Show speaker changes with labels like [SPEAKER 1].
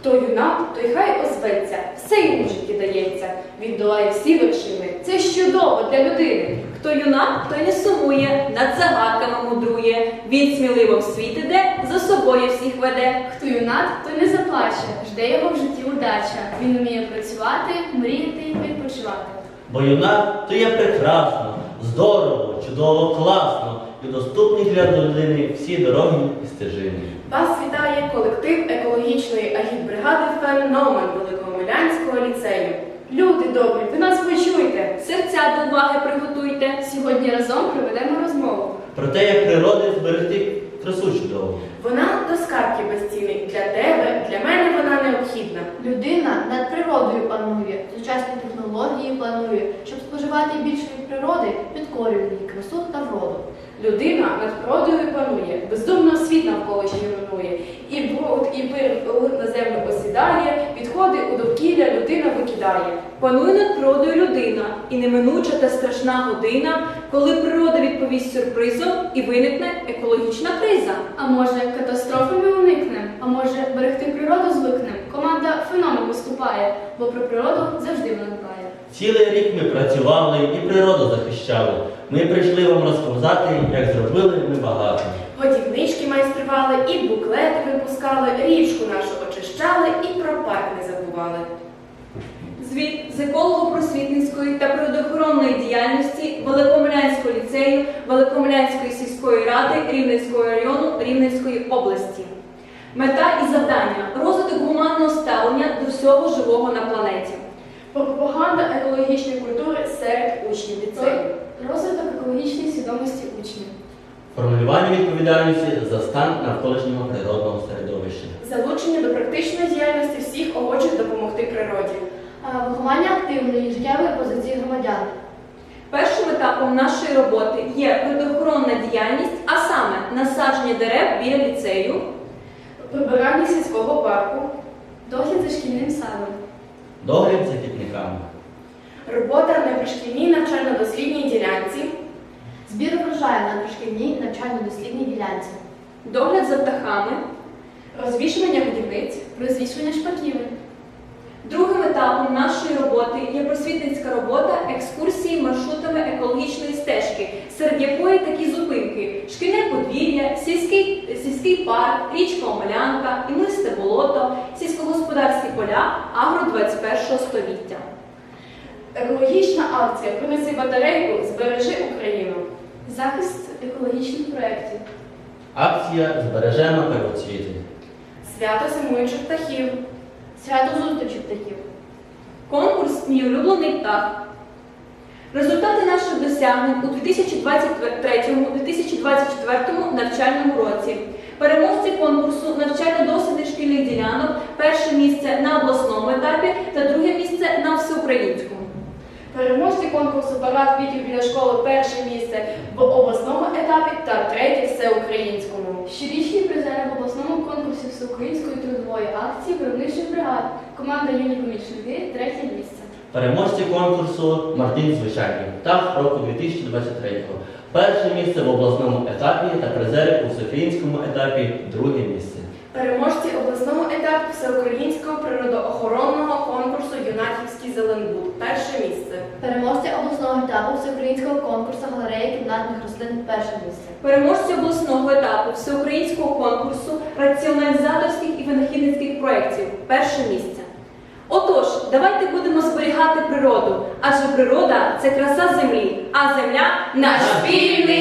[SPEAKER 1] Хто юнак, той хай озветься, все йому в житті дається. Він долає всі вершини, це ж чудово для людини.
[SPEAKER 2] Хто юнак, той не сумує, над загадками мудрує. Він сміливо в світ іде, за собою всіх веде.
[SPEAKER 3] Хто юнак, той не заплаче, жде його в житті удача. Він вміє працювати, мріяти і відпочивати.
[SPEAKER 4] Бо юнак то є прекрасно, здорово, чудово, класно і доступні для людини всі дороги і стежини.
[SPEAKER 1] Вас вітає колектив екологічної агітбригади «Феномен» Великомилянського ліцею. Люди добрі, ви нас почуйте.
[SPEAKER 2] Серця до уваги приготуйте.
[SPEAKER 3] Сьогодні разом проведемо розмову.
[SPEAKER 4] Про те, як природи зберегти красу чудову.
[SPEAKER 1] Вона до скарбки безцінний. Для тебе, для мене вона необхідна.
[SPEAKER 5] Людина над природою панує, сучасні технології планує, щоб споживати більше від природи, підкорює її красу та вроду.
[SPEAKER 1] Людина над природою панує, бездумно світ навколо руйнує. І бруд, і пир на землю осідає, відходи у довкілля людина викидає.
[SPEAKER 2] Панує над природою людина, і неминуча та страшна година, коли природа відповість сюрпризом і виникне екологічна криза.
[SPEAKER 3] А може, катастрофи ми уникнемо? А може, берегти природу звикнемо? Команда «Феномен» виступає, бо про природу завжди вона дбає.
[SPEAKER 4] Цілий рік ми працювали і природу захищали. Ми прийшли вам розказати, як зробили ми багато.
[SPEAKER 1] Годівнички майстрували, і буклети випускали, річку нашу очищали, і про парк не забували.
[SPEAKER 2] Звіт з еколого-просвітницької та природоохоронної діяльності Великомилянського ліцею Великомилянської сільської ради Рівненського району Рівненської області. Мета і завдання – розвиток гуманного ставлення до всього живого на планеті.
[SPEAKER 1] Пропаганда екологічної культури серед учнів ліцею.
[SPEAKER 3] Розвиток екологічної свідомості учнів.
[SPEAKER 4] Формулювання відповідальності за стан навколишнього природного середовища.
[SPEAKER 1] Залучення до практичної діяльності всіх охочих допомогти природі.
[SPEAKER 5] Виховання активної життєвої позиції громадян.
[SPEAKER 2] Першим етапом нашої роботи є природоохоронна діяльність, а саме насадження дерев біля ліцею,
[SPEAKER 1] Прибирання сільського парку.
[SPEAKER 3] Догляд за шкільним садом.
[SPEAKER 4] Догляд за квітниками.
[SPEAKER 1] Робота на пришкільній навчально-дослідній ділянці.
[SPEAKER 5] Збір врожаю на дошкільній навчально-дослідній ділянці.
[SPEAKER 2] догляд за птахами.
[SPEAKER 1] Розвішування годівниць.
[SPEAKER 3] Розвішування шпаківень.
[SPEAKER 2] Другим етапом нашої роботи є просвітницька робота екскурсії маршрутами екологічної стежки, серед якої такі зупинки – шкільне подвір'я, сільський парк, річка Омелянка, імлисте болото, сільськогосподарські поля, агро 21 століття.
[SPEAKER 1] Екологічна акція «Принеси батарейку, збережи Україну».
[SPEAKER 3] Захист екологічних проєктів.
[SPEAKER 4] Акція «Збережемо первоцвіти».
[SPEAKER 1] Свято зимуючих птахів.
[SPEAKER 5] Свято зустрічі птахів.
[SPEAKER 2] Конкурс «Мій улюблений птах». Результати наших досягнень у 2023-2024 навчальному році. Переможці конкурсу навчально-дослідних шкільних ділянок перше місце на обласному етапі та друге місце на всеукраїнському.
[SPEAKER 1] Переможці конкурсу «Парад квітів біля школи» перше місце в обласному етапі та третє всеукраїнському.
[SPEAKER 3] Щорічні призери в обласному конкурсі всеукраїнської трудової акції виробничих бригад. Команда «Юні помічники» третє місце.
[SPEAKER 4] Переможці конкурсу «Мартин звичайний птах року 2023». Перше місце в обласному етапі та призери у всеукраїнському етапі друге місце.
[SPEAKER 1] Переможці обласного етапу всеукраїнського природоохоронного конкурсу «Юнаківський Зеленбуд» перше місце.
[SPEAKER 5] Переможці обласного етапу всеукраїнського конкурсу галереї кімнатних рослин перше місце.
[SPEAKER 2] Переможці обласного етапу всеукраїнського конкурсу раціоналізаторських і винахідницьких проєктів перше місце. Отож, давайте будемо зберігати природу, адже природа – це краса землі, а земля – наш спільний